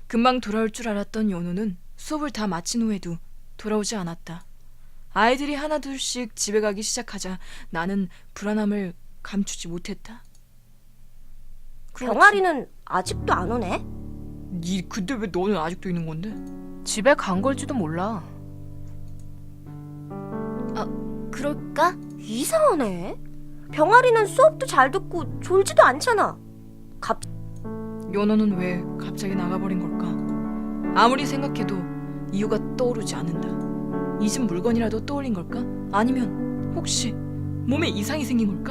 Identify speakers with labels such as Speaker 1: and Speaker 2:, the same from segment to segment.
Speaker 1: 금방 돌아올 줄 알았던 연호는 수업을 다 마친 후에도 돌아오지 않았다. 아이들이 하나둘씩 집에 가기 시작하자 나는 불안함을 감추지 못했다.
Speaker 2: 병아리는 아직도 안 오네?
Speaker 1: 근데 왜 너는 아직도 있는 건데?
Speaker 3: 집에 간 걸지도 몰라.
Speaker 2: 그럴까? 이상하네. 병아리는 수업도 잘 듣고 졸지도 않잖아.
Speaker 1: 연호는 왜 갑자기 나가버린 걸까? 아무리 생각해도 이유가 떠오르지 않는다. 잊은 물건이라도 떠올린 걸까? 아니면 혹시 몸에 이상이 생긴 걸까?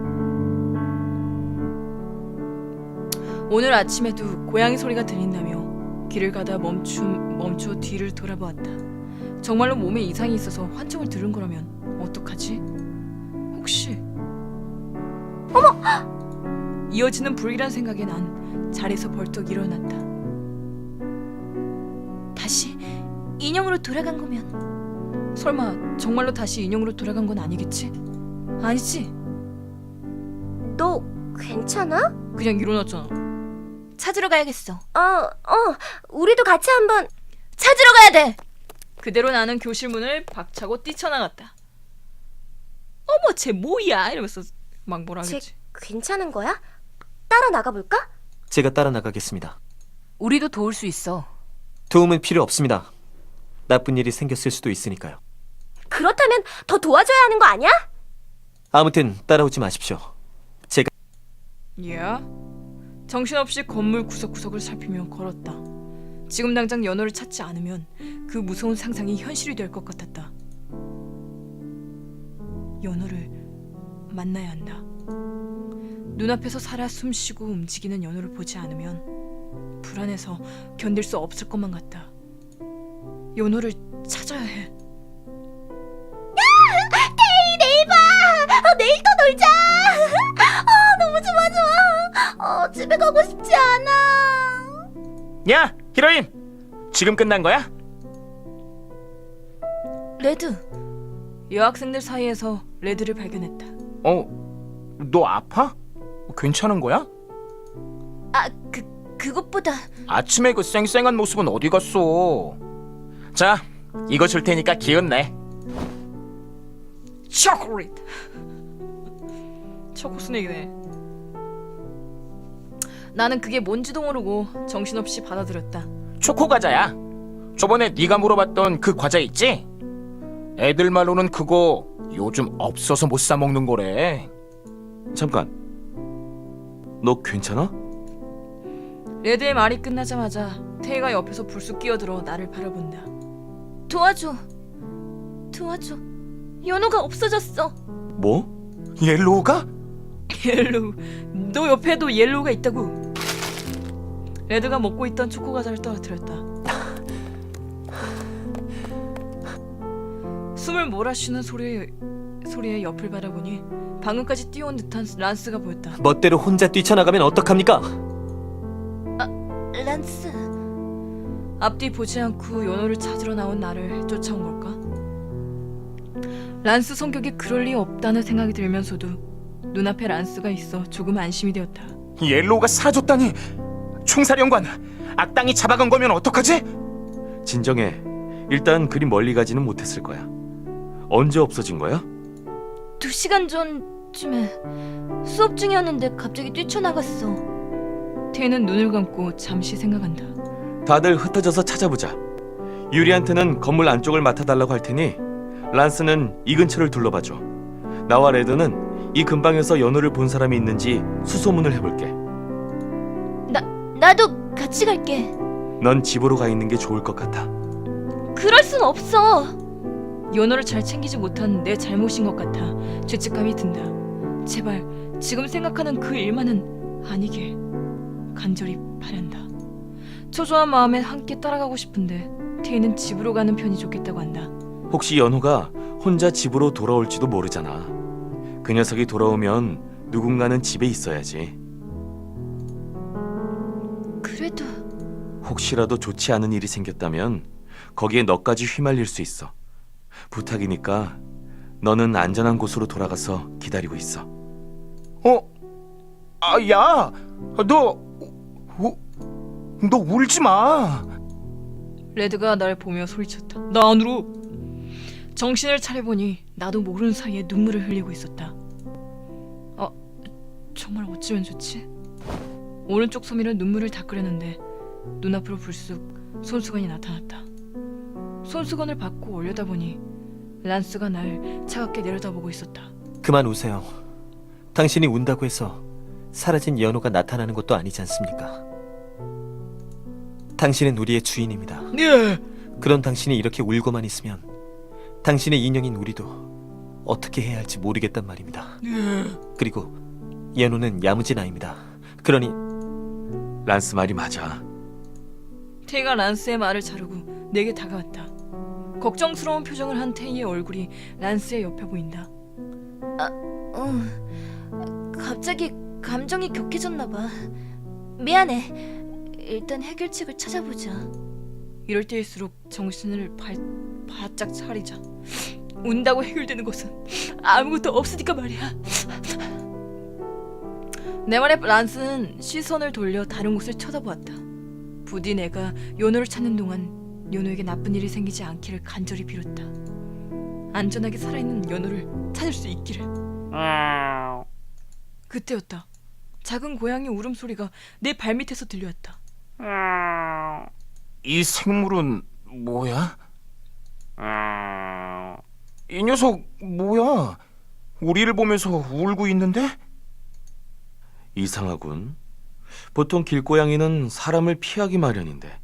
Speaker 1: 오늘 아침에도 고양이 소리가 들린다며 길을 가다 멈춰 뒤를 돌아보았다. 정말로 몸에 이상이 있어서 환청을 들은 거라면 어떡하지? 혹시 이어지는 불길한 생각에 난 자리에서 벌떡 일어났다.
Speaker 2: 다시 인형으로 돌아간 거면
Speaker 1: 설마 정말로 다시 인형으로 돌아간 건 아니겠지? 아니지?
Speaker 2: 너 괜찮아?
Speaker 1: 그냥 일어났잖아.
Speaker 2: 찾으러 가야겠어. 우리도 같이 한번 찾으러 가야 돼.
Speaker 1: 그대로 나는 교실 문을 박차고 뛰쳐나갔다. 어머 쟤 뭐야 이러면서 막 뭐라
Speaker 2: 쟤
Speaker 1: 하겠지.
Speaker 2: 괜찮은 거야? 따라 나가볼까?
Speaker 4: 제가 따라 나가겠습니다.
Speaker 3: 우리도 도울 수 있어.
Speaker 4: 도움은 필요 없습니다. 나쁜 일이 생겼을 수도 있으니까요.
Speaker 2: 그렇다면 더 도와줘야 하는 거 아니야?
Speaker 4: 아무튼 따라오지 마십시오. 제가
Speaker 1: 야, 정신없이 건물 구석구석을 살피며 걸었다. 지금 당장 연호를 찾지 않으면 그 무서운 상상이 현실이 될 것 같았다. 연호를 만나야 한다. 눈앞에서 살아 숨쉬고 움직이는 연호를 보지 않으면 불안해서 견딜 수 없을 것만 같다. 연호를 찾아야 해.
Speaker 2: 내일 봐. 내일 또 놀자. 너무 좋아. 집에 가고 싶지 않아.
Speaker 5: 야, 히로임! 지금 끝난 거야?
Speaker 1: 레드. 여학생들 사이에서 레드를 발견했다.
Speaker 5: 너 아파? 괜찮은 거야?
Speaker 2: 그것보다
Speaker 5: 아침에 그 쌩쌩한 모습은 어디 갔어? 자, 이거 줄 테니까 기운내.
Speaker 1: 초콜릿. 초코 스낵이네. 나는 그게 뭔지도 모르고 정신없이 받아들였다.
Speaker 5: 초코 과자야. 저번에 네가 물어봤던 그 과자 있지? 애들 말로는 그거 요즘 없어서 못 사 먹는 거래.
Speaker 4: 잠깐. 너 괜찮아?
Speaker 1: 레드의 말이 끝나자마자 태희가 옆에서 불쑥 끼어들어 나를 바라본다.
Speaker 2: 도와줘. 연호가 없어졌어.
Speaker 4: 뭐?
Speaker 5: 옐로우가?
Speaker 1: 옐로우. 너 옆에도 옐로우가 있다고. 레드가 먹고 있던 초코 과자를 떨어뜨렸다. 숨을 몰아쉬는 소리에 옆을 바라보니 방금까지 뛰어온 듯한 란스가 보였다.
Speaker 4: 멋대로 혼자 뛰쳐나가면 어떡합니까?
Speaker 2: 란스.
Speaker 1: 앞뒤 보지 않고 연호를 찾으러 나온 나를 쫓아온 걸까? 란스 성격이 그럴 리 없다는 생각이 들면서도 눈앞에 란스가 있어 조금 안심이 되었다.
Speaker 5: 옐로우가 사라졌다니. 총사령관, 악당이 잡아간 거면 어떡하지?
Speaker 4: 진정해. 일단 그리 멀리 가지는 못했을 거야. 언제 없어진 거야?
Speaker 2: 2시간 전쯤에 수업 중이었는데 갑자기 뛰쳐나갔어.
Speaker 1: 태는 눈을 감고 잠시 생각한다.
Speaker 4: 다들 흩어져서 찾아보자. 유리한테는 건물 안쪽을 맡아달라고 할 테니 란스는 이 근처를 둘러봐줘. 나와 레드는 이 근방에서 연호를 본 사람이 있는지 수소문을 해볼게.
Speaker 2: 나도 같이 갈게.
Speaker 4: 넌 집으로 가 있는 게 좋을 것 같아.
Speaker 2: 그럴 순 없어.
Speaker 1: 연호를 잘 챙기지 못한 내 잘못인 것 같아 죄책감이 든다. 제발 지금 생각하는 그 일만은 아니길 간절히 바란다. 초조한 마음에 함께 따라가고 싶은데 태희는 집으로 가는 편이 좋겠다고 한다.
Speaker 4: 혹시 연호가 혼자 집으로 돌아올지도 모르잖아. 그 녀석이 돌아오면 누군가는 집에 있어야지.
Speaker 2: 그래도
Speaker 4: 혹시라도 좋지 않은 일이 생겼다면 거기에 너까지 휘말릴 수 있어. 부탁이니까 너는 안전한 곳으로 돌아가서 기다리고 있어.
Speaker 5: 야, 너 너 울지 마.
Speaker 1: 레드가 날 보며 소리쳤다. 나 안 울어. 정신을 차려보니 나도 모르는 사이에 눈물을 흘리고 있었다. 정말 어찌면 좋지? 오른쪽 소미로 눈물을 닦으려는데 눈앞으로 불쑥 손수건이 나타났다. 손수건을 받고 올려다보니 란스가 날 차갑게 내려다보고 있었다.
Speaker 6: 그만 우세요. 당신이 운다고 해서 사라진 연호가 나타나는 것도 아니지 않습니까? 당신은 우리의 주인입니다.
Speaker 1: 예.
Speaker 6: 그런 당신이 이렇게 울고만 있으면 당신의 인형인 우리도 어떻게 해야 할지 모르겠단 말입니다. 그리고 연호는 야무진 아이입니다. 그러니
Speaker 4: 란스 말이 맞아.
Speaker 1: 테이가 란스의 말을 자르고 내게 다가왔다. 걱정스러운 표정을 한 테이의 얼굴이 란스의 옆에 보인다.
Speaker 2: 갑자기 감정이 격해졌나 봐. 미안해. 일단 해결책을 찾아보자.
Speaker 1: 이럴 때일수록 정신을 바짝 차리자. 운다고 해결되는 것은 아무것도 없으니까 말이야. 내 말에 란스는 시선을 돌려 다른 곳을 쳐다보았다. 부디 내가 요노를 찾는 동안 요노에게 나쁜 일이 생기지 않기를 간절히 빌었다. 안전하게 살아있는 요노를 찾을 수 있기를. 그때였다. 작은 고양이 울음소리가 내 발밑에서 들려왔다.
Speaker 5: 이 생물은 뭐야? 이 녀석 뭐야? 우리를 보면서 울고 있는데?
Speaker 4: 이상하군. 보통 길고양이는 사람을 피하기 마련인데.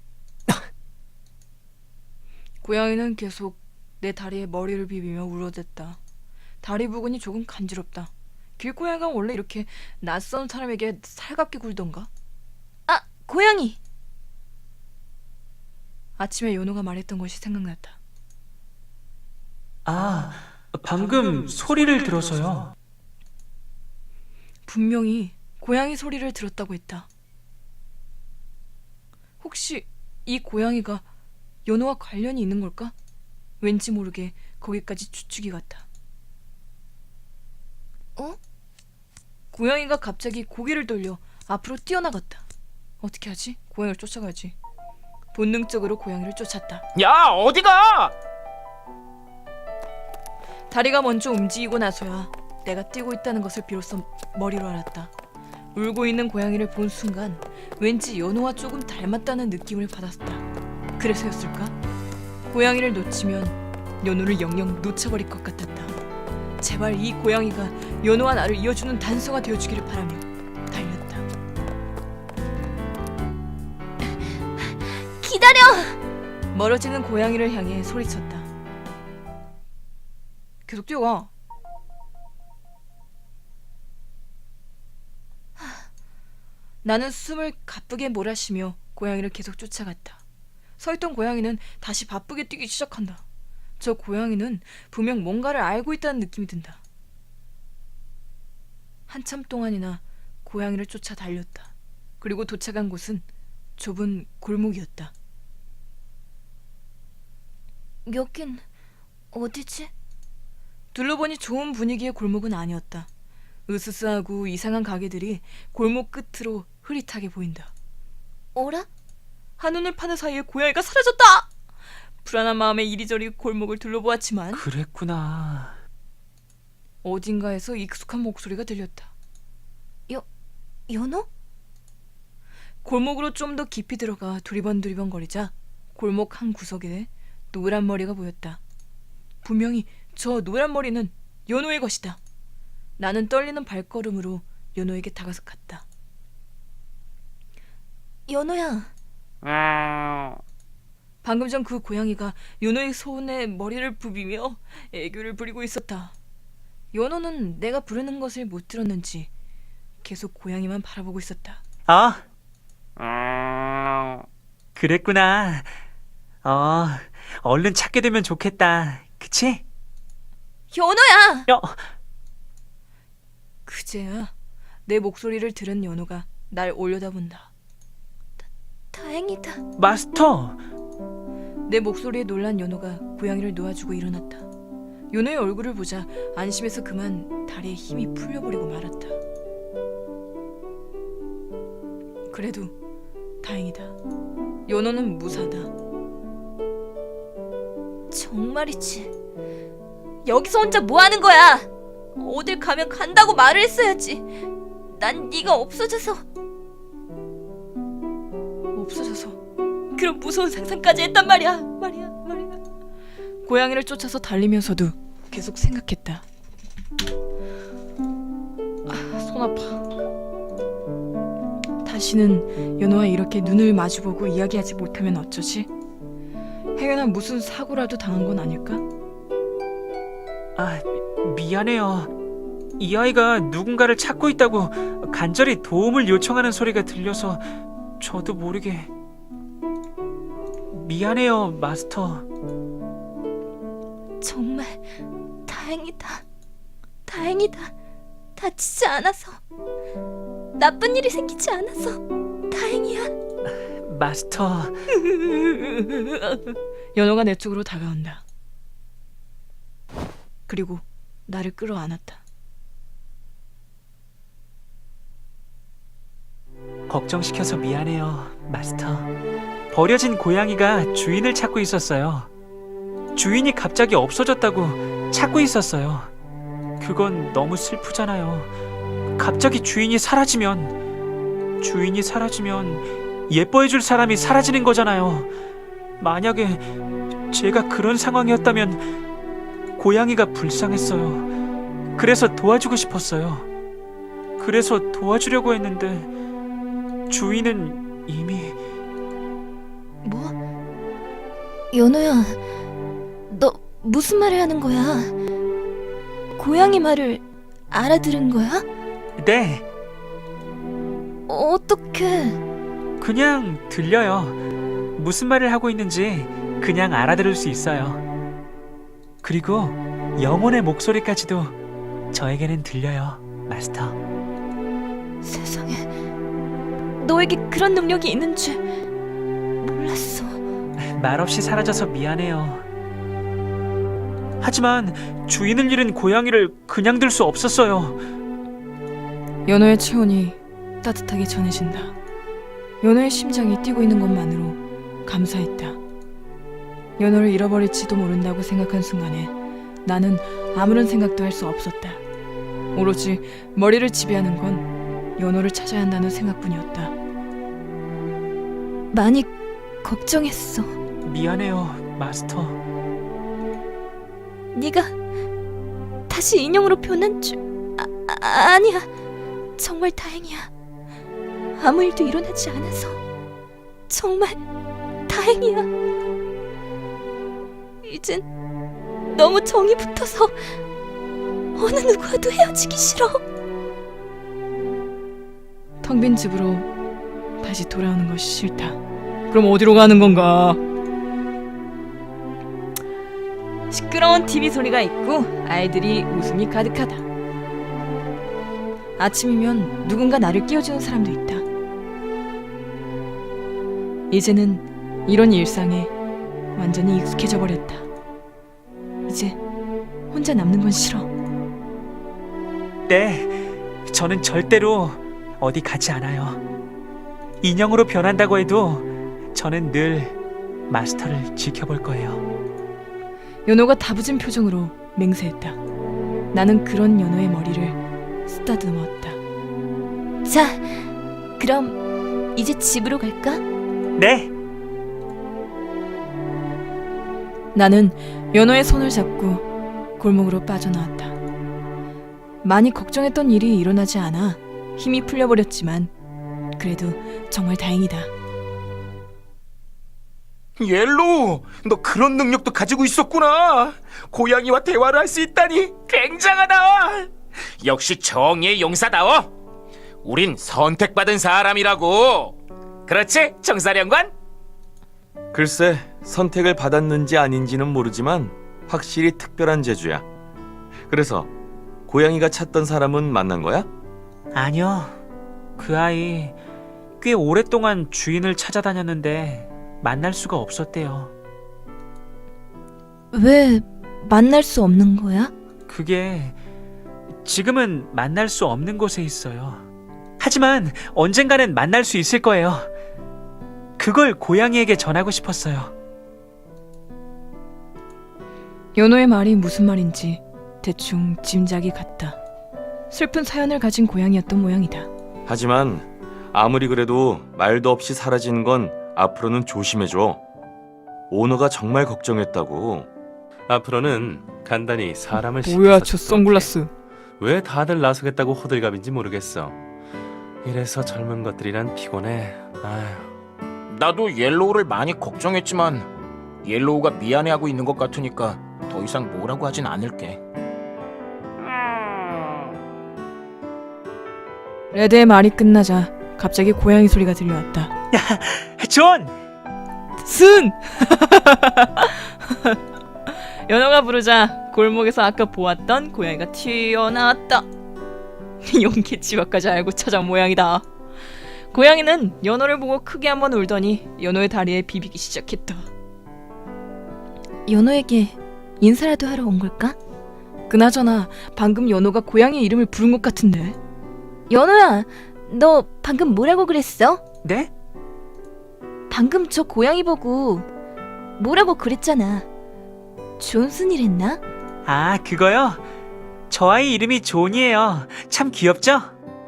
Speaker 1: 고양이는 계속 내 다리에 머리를 비비며 울어댔다. 다리 부근이 조금 간지럽다. 길고양이가 원래 이렇게 낯선 사람에게 살갑게 굴던가?
Speaker 2: 아, 고양이.
Speaker 1: 아침에 연호가 말했던 것이 생각났다.
Speaker 7: 아, 방금 소리를 들어서요.
Speaker 1: 분명히 고양이 소리를 들었다고 했다. 혹시 이 고양이가 연호와 관련이 있는 걸까? 왠지 모르게 거기까지 추측이 갔다. 고양이가 갑자기 고개를 돌려 앞으로 뛰어나갔다. 어떻게 하지? 고양이를 쫓아가야지. 본능적으로 고양이를 쫓았다.
Speaker 5: 야, 어디가?
Speaker 1: 다리가 먼저 움직이고 나서야 내가 뛰고 있다는 것을 비로소 머리로 알았다. 울고 있는 고양이를 본 순간 왠지 연호와 조금 닮았다는 느낌을 받았다. 그래서였을까? 고양이를 놓치면 연호를 영영 놓쳐버릴 것 같았다. 제발 이 고양이가 연호와 나를 이어주는 단서가 되어주기를 바라며 달렸다.
Speaker 2: 기다려.
Speaker 1: 멀어지는 고양이를 향해 소리쳤다. 계속 뛰어가. 나는 숨을 가쁘게 몰아쉬며 고양이를 계속 쫓아갔다. 서있던 고양이는 다시 바쁘게 뛰기 시작한다. 저 고양이는 분명 뭔가를 알고 있다는 느낌이 든다. 한참 동안이나 고양이를 쫓아 달렸다. 그리고 도착한 곳은 좁은 골목이었다.
Speaker 2: 여긴 어디지?
Speaker 1: 둘러보니 좋은 분위기의 골목은 아니었다. 으스스하고 이상한 가게들이 골목 끝으로 흐릿하게 보인다.
Speaker 2: 어라?
Speaker 1: 한눈을 파는 사이에 고양이가 사라졌다! 불안한 마음에 이리저리 골목을 둘러보았지만
Speaker 7: 그랬구나.
Speaker 1: 어딘가에서 익숙한 목소리가 들렸다.
Speaker 2: 연호?
Speaker 1: 골목으로 좀 더 깊이 들어가 두리번두리번 거리자 골목 한 구석에 노란 머리가 보였다. 분명히 저 노란 머리는 연호의 것이다. 나는 떨리는 발걸음으로 연호에게 다가서 갔다.
Speaker 2: 연호야.
Speaker 1: 방금 전 그 고양이가 연호의 손에 머리를 부비며 애교를 부리고 있었다. 연호는 내가 부르는 것을 못 들었는지 계속 고양이만 바라보고 있었다.
Speaker 7: 아, 그랬구나. 얼른 찾게 되면 좋겠다. 그치?
Speaker 2: 연호야.
Speaker 1: 그제야 내 목소리를 들은 연호가 날 올려다본다.
Speaker 2: 다행이다.
Speaker 7: 마스터.
Speaker 1: 내 목소리에 놀란 연호가 고양이를 놓아주고 일어났다. 연호의 얼굴을 보자 안심해서 그만 다리에 힘이 풀려버리고 말았다. 그래도 다행이다. 연호는 무사다.
Speaker 2: 정말이지. 여기서 혼자 뭐 하는 거야? 어딜 가면 간다고 말을 했어야지. 난 네가 없어져서
Speaker 1: 그런 무서운 상상까지 했단 말이야. 고양이를 쫓아서 달리면서도 계속 생각했다. 손 아파. 다시는 연호와 이렇게 눈을 마주보고 이야기하지 못하면 어쩌지? 행여나 무슨 사고라도 당한 건 아닐까?
Speaker 7: 아, 미안해요. 이 아이가 누군가를 찾고 있다고 간절히 도움을 요청하는 소리가 들려서 저도 모르게. 미안해요, 마스터.
Speaker 2: 정말 다행이다. 다치지 않아서, 나쁜 일이 생기지 않아서 다행이야.
Speaker 7: 마스터.
Speaker 1: 연호가 내 쪽으로 다가온다. 그리고 나를 끌어안았다.
Speaker 7: 걱정시켜서 미안해요, 마스터. 버려진 고양이가 주인을 찾고 있었어요. 주인이 갑자기 없어졌다고 찾고 있었어요. 그건 너무 슬프잖아요. 갑자기 주인이 사라지면 예뻐해줄 사람이 사라지는 거잖아요. 만약에 제가 그런 상황이었다면 고양이가 불쌍했어요. 그래서 도와주고 싶었어요. 그래서 도와주려고 했는데 주인은 이미...
Speaker 2: 뭐? 연호야, 너 무슨 말을 하는 거야? 고양이 말을 알아들은 거야?
Speaker 7: 네,
Speaker 2: 어떻게?
Speaker 7: 그냥 들려요. 무슨 말을 하고 있는지 그냥 알아들을 수 있어요. 그리고 영혼의 목소리까지도 저에게는 들려요, 마스터.
Speaker 2: 세상에, 너에게 그런 능력이 있는 줄 몰랐어.
Speaker 7: 말없이 사라져서 미안해요. 하지만 주인을 잃은 고양이를 그냥 둘 수 없었어요.
Speaker 1: 연호의 체온이 따뜻하게 전해진다. 연호의 심장이 뛰고 있는 것만으로 감사했다. 연호를 잃어버릴지도 모른다고 생각한 순간에 나는 아무런 생각도 할 수 없었다. 오로지 머리를 지배하는 건 연호를 찾아야 한다는 생각뿐이었다.
Speaker 2: 많이 걱정했어.
Speaker 7: 미안해요, 마스터.
Speaker 2: 네가 다시 인형으로 변한 줄... 아니야. 정말 다행이야. 아무 일도 일어나지 않아서 정말 다행이야. 이젠 너무 정이 붙어서 어느 누구와도 헤어지기 싫어.
Speaker 1: 텅 빈 집으로 다시 돌아오는 것이 싫다. 그럼 어디로 가는 건가? 시끄러운 TV 소리가 있고 아이들이 웃음이 가득하다. 아침이면 누군가 나를 깨워주는 사람도 있다. 이제는 이런 일상에 완전히 익숙해져 버렸다. 이제 혼자 남는 건 싫어.
Speaker 7: 네, 저는 절대로 어디 가지 않아요. 인형으로 변한다고 해도 저는 늘 마스터를 지켜볼 거예요.
Speaker 1: 연호가 다부진 표정으로 맹세했다. 나는 그런 연호의 머리를 쓰다듬었다.
Speaker 2: 자, 그럼 이제 집으로 갈까?
Speaker 7: 네,
Speaker 1: 나는 연호의 손을 잡고 골목으로 빠져나왔다. 많이 걱정했던 일이 일어나지 않아 힘이 풀려버렸지만 그래도 정말 다행이다.
Speaker 5: 옐로우, 너 그런 능력도 가지고 있었구나. 고양이와 대화를 할 수 있다니 굉장하다. 역시 정의의 용사다워. 우린 선택받은 사람이라고. 그렇지, 정사령관?
Speaker 4: 글쎄, 선택을 받았는지 아닌지는 모르지만 확실히 특별한 재주야. 그래서 고양이가 찾던 사람은 만난 거야?
Speaker 7: 아니요. 그 아이 꽤 오랫동안 주인을 찾아다녔는데 만날 수가 없었대요.
Speaker 2: 왜 만날 수 없는 거야?
Speaker 7: 그게 지금은 만날 수 없는 곳에 있어요. 하지만 언젠가는 만날 수 있을 거예요. 그걸 고양이에게 전하고 싶었어요.
Speaker 1: 연호의 말이 무슨 말인지 대충 짐작이 갔다. 슬픈 사연을 가진 고양이였던 모양이다.
Speaker 4: 하지만 아무리 그래도 말도 없이 사라지는 건 앞으로는 조심해줘. 오너가 정말 걱정했다고.
Speaker 8: 앞으로는 간단히 사람을
Speaker 1: 뭐야
Speaker 8: 시켜서
Speaker 1: 저 선글라스.
Speaker 8: 왜 다들 나서겠다고 호들갑인지 모르겠어. 이래서 젊은 것들이란 피곤해. 아휴.
Speaker 5: 나도 옐로우를 많이 걱정했지만 옐로우가 미안해하고 있는 것 같으니까 더 이상 뭐라고 하진 않을게.
Speaker 1: 레드의 말이 끝나자 갑자기 고양이 소리가 들려왔다.
Speaker 7: 존!
Speaker 1: 순! 연호가 부르자 골목에서 아까 보았던 고양이가 튀어나왔다. 용기 지각까지 알고 찾아온 모양이다. 고양이는 연호를 보고 크게 한번 울더니 연호의 다리에 비비기 시작했다.
Speaker 2: 연호에게 인사라도 하러 온 걸까?
Speaker 1: 그나저나 방금 연호가 고양이 이름을 부른 것 같은데.
Speaker 2: 연호야, 너 방금 뭐라고 그랬어?
Speaker 7: 네?
Speaker 2: 방금 저 고양이 보고 뭐라고 그랬잖아. 존슨이랬나?
Speaker 7: 아, 그거요? 저 아이 이름이 존이에요. 참 귀엽죠?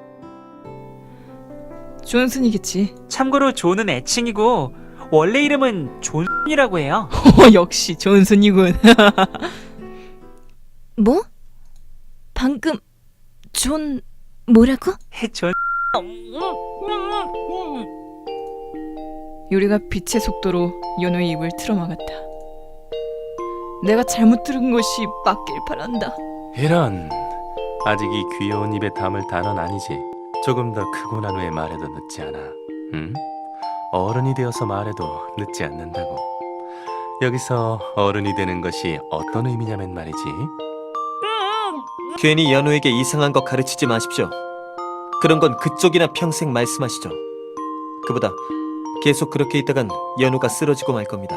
Speaker 1: 존슨이겠지.
Speaker 7: 참고로 존은 애칭이고 원래 이름은 존이라고 해요.
Speaker 1: 역시 존슨이군.
Speaker 2: 뭐? 방금 존 뭐라고?
Speaker 7: 존.
Speaker 1: 유리가 빛의 속도로 연호의 입을 틀어막았다. 내가 잘못 들은 것이 맞길 바란다.
Speaker 8: 이런. 아직 이 귀여운 입에 담을 단어는 아니지. 조금 더 크고 난 후에 말해도 늦지 않아. 응? 어른이 되어서 말해도 늦지 않는다고. 여기서 어른이 되는 것이 어떤 의미냐면 말이지.
Speaker 6: 괜히 연우에게 이상한 거 가르치지 마십시오. 그런 건 그쪽이나 평생 말씀하시죠. 그보다 계속 그렇게 있다간 연우가 쓰러지고 말 겁니다.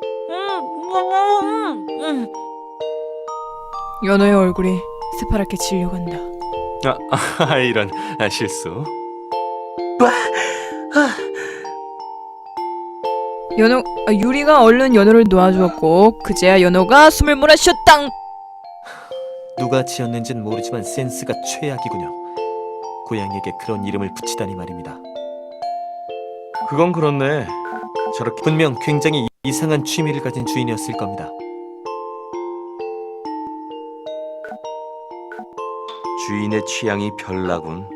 Speaker 1: 연호의 얼굴이 새파랗게 질려간다.
Speaker 8: 이런 실수.
Speaker 1: 유리가 얼른 연호를 놓아주었고 그제야 연호가 숨을 몰아쉬었당.
Speaker 6: 누가 지었는진 모르지만 센스가 최악이군요. 고양이에게 그런 이름을 붙이다니 말입니다.
Speaker 4: 그건 그렇네. 저렇게
Speaker 6: 분명 굉장히 이상한 취미를 가진 주인이었을 겁니다.
Speaker 4: 주인의 취향이 별나군.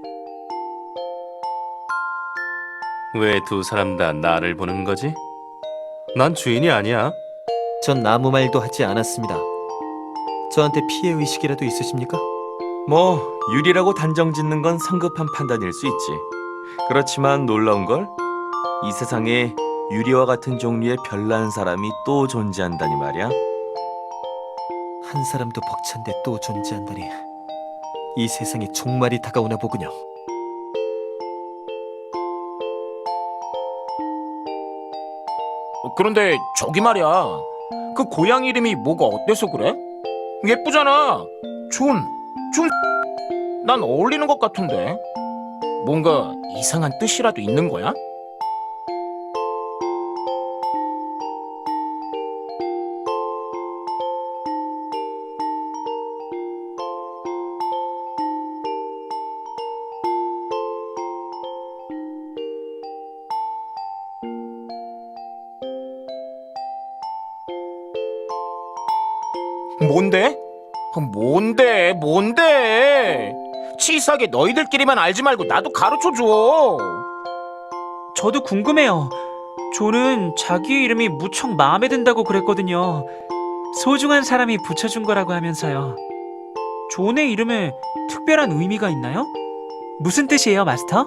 Speaker 8: 왜 두 사람 다 나를 보는 거지? 난 주인이 아니야.
Speaker 6: 전 아무 말도 하지 않았습니다. 저한테 피해 의식이라도 있으십니까?
Speaker 4: 뭐 유리라고 단정 짓는 건 성급한 판단일 수 있지. 그렇지만 놀라운 걸, 이 세상에 유리와 같은 종류의 별난 사람이 또 존재한다니 말이야.
Speaker 6: 한 사람도 벅찬데 또 존재한다니. 이 세상에 종말이 다가오나 보군요.
Speaker 5: 그런데 저기 말이야. 그 고양이 이름이 뭐가 어때서 그래? 예쁘잖아. 존. 난 어울리는 것 같은데. 뭔가 이상한 뜻이라도 있는 거야? 뭔데? 치사하게 너희들끼리만 알지 말고 나도 가르쳐줘.
Speaker 7: 저도 궁금해요. 존은 자기 이름이 무척 마음에 든다고 그랬거든요. 소중한 사람이 붙여준 거라고 하면서요. 존의 이름에 특별한 의미가 있나요? 무슨 뜻이에요, 마스터?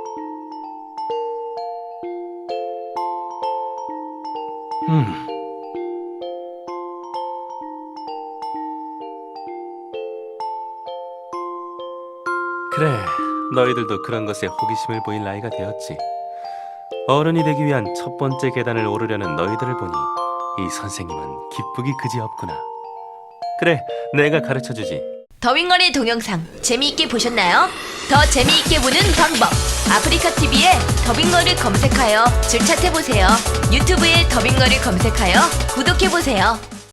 Speaker 8: 그래, 너희들도 그런 것에 호기심을 보일 나이가 되었지. 어른이 되기 위한 첫 번째 계단을 오르려는 너희들을 보니 이 선생님은 기쁘기 그지없구나. 그래, 내가 가르쳐주지.
Speaker 2: 더윙걸의 동영상 재미있게 보셨나요? 더 재미있게 보는 방법. 아프리카TV에 더빙러를 검색하여 즐찾해보세요. 유튜브에 더빙러를 검색하여 구독해보세요.